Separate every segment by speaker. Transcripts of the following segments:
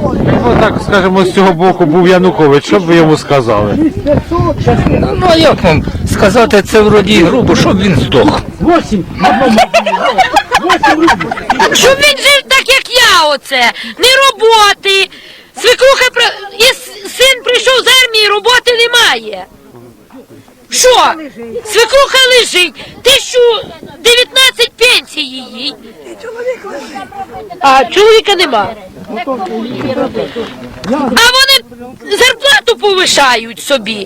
Speaker 1: Ну так, скажімо, з цього боку був Янукович, що б ви йому сказали?
Speaker 2: Ну а як вам сказати, це вроді грубо, щоб він здох.
Speaker 3: Щоб він жив так, як я оце. Не роботи. Свекруха і син прийшов з армії, роботи немає. Що? Свекруха лежить. 1019 пенсії їй. А чоловіка нема. А вони зарплату повишають собі.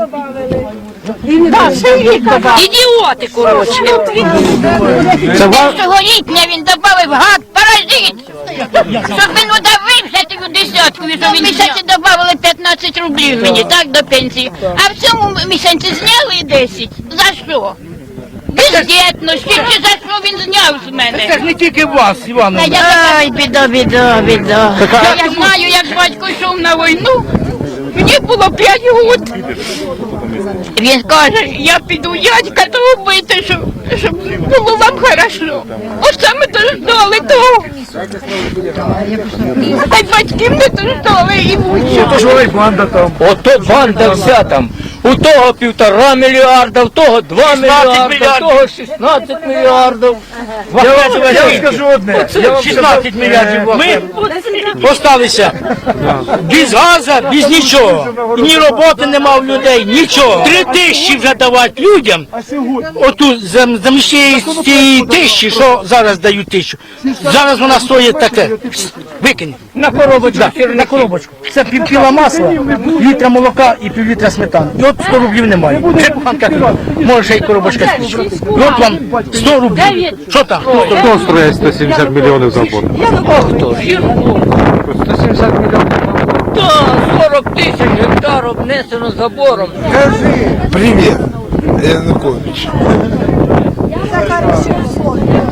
Speaker 3: Ідіоти, коротше.
Speaker 4: Цьогорітня він добавив гад паразит. Щоб він удавився тою десяткою, що він місяці добавили 15 рублів мені, так, до пенсії. А в цьому місяці зняли 10. За що? Бездєтності, чи за що він зняв з мене?
Speaker 2: Це ж не тільки вас, Івановна.
Speaker 4: Ай, біда. Я знаю, як батько йшов на війну, мені було 5 років. Він каже, я піду дядька того бити, щоб було вам хорошо. Оце ми дождали того. А й батьків не дождали і вучили.
Speaker 2: Ото ж ось банда там. Ото банда вся там. У того 1,5 мільярда, у того 2 мільярда, у того 16 мільярдів. Я вам скажу одне. 16 мільярдів. Ми осталися без газу, без нічого. Ні роботи нема в людей, нічого. 3 тисячі вже давати людям. Оту замість цієї тисячі, що зараз дають 1000. Зараз вона стоїть таке. Викинь. На коробочку. На коробочку. Це пів-кіла масла, літра молока і пів-літра сметани. І от 100 рублів немає. Вже куханка, може ще й коробочка спічка. І от вам 100 рублів. Що там?
Speaker 1: Хто строїть 170 мільйонів забору?
Speaker 2: А хто ж?
Speaker 1: 170 мільйонів.
Speaker 2: Так, 40 тисяч гектар обнесено забором.
Speaker 5: Привет, Янукович.
Speaker 6: Я за хорошие условия.